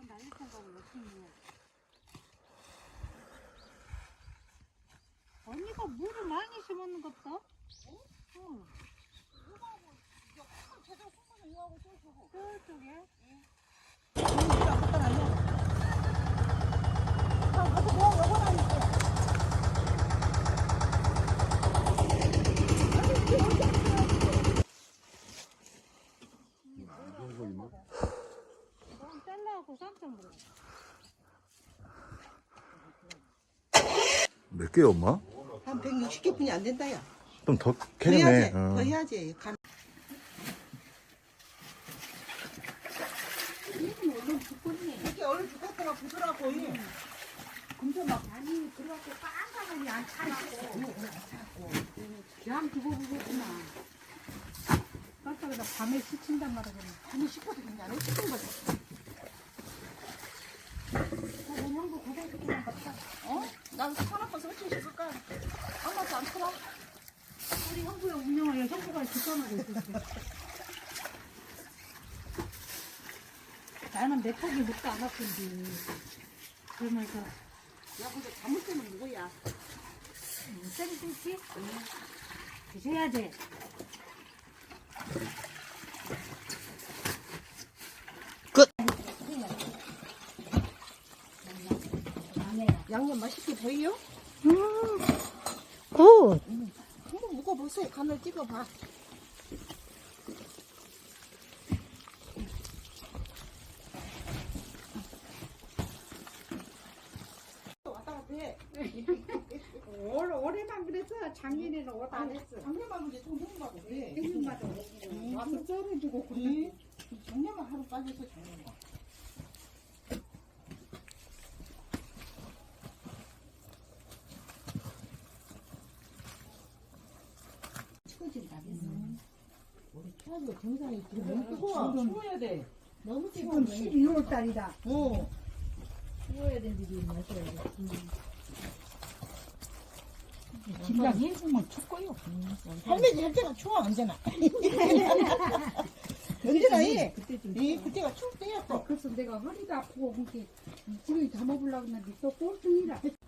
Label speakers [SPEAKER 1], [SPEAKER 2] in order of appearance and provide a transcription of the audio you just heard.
[SPEAKER 1] 날릴 생각을 없으니. 언니가 물을 많이 심었는 것 같다? 응. 저쪽에? 너무 잘라갖고 깜짝 놀랐어.
[SPEAKER 2] 몇 개야, 엄마?
[SPEAKER 3] 한 160개뿐이 안 된다, 야.
[SPEAKER 2] 좀 더
[SPEAKER 3] 더
[SPEAKER 2] 캐네.
[SPEAKER 3] 해야지, 더 해야지. 이렇게 얼른 죽었다가 부드라고.
[SPEAKER 1] 근데 막 많이 들어갖고 깜깜하니 안 차갖고. 양 두고 보구나. 깜짝이야 밤에 스친단 말이야.
[SPEAKER 3] 아니, 식어도 괜찮아. 식은 거지.
[SPEAKER 1] 형도 고등학교만 갔다.
[SPEAKER 3] 어? 난 사놓고서 어찌 식을까? 아무것도 안 틀어.
[SPEAKER 1] 우리 형부의 운영을 형부가 뒷전하고 있었어. 나는 내 턱이 묵도 안 아픈데. 그러면서
[SPEAKER 3] 야, 근데 잘못 때는 누구야?
[SPEAKER 1] 쌤이 쌤지? 드셔야지.
[SPEAKER 3] 양념 맛있게 보여요?
[SPEAKER 1] 굿.
[SPEAKER 3] 한번 먹어보세요. 간을 찍어봐. 왔다 갔다 해.
[SPEAKER 1] 올해만 그래서 작년에는 옷 안 했어.
[SPEAKER 3] 작년만 이제 좀 먹는다고 그래.
[SPEAKER 1] 생일마다 와서 썰어주고
[SPEAKER 3] 작년만 하루 빠져서 작년만.
[SPEAKER 1] 치워진다 그래서.
[SPEAKER 3] 우리 태양도 정상이 지금 너무 뜨거워. 추워야 돼. 너무
[SPEAKER 1] 지금 12월 달이다.
[SPEAKER 3] 어.
[SPEAKER 1] 추워야 되는데 마셔야 돼.
[SPEAKER 4] 진작 예수만 춥고요.
[SPEAKER 3] 할매지 할 때가 추워 언제나. 언제나 해. 그때가 추울 때야 또.
[SPEAKER 1] 그래서 내가 허리가 아프고 그렇게 지금 담아보려고 했는데 또 꼴등이라.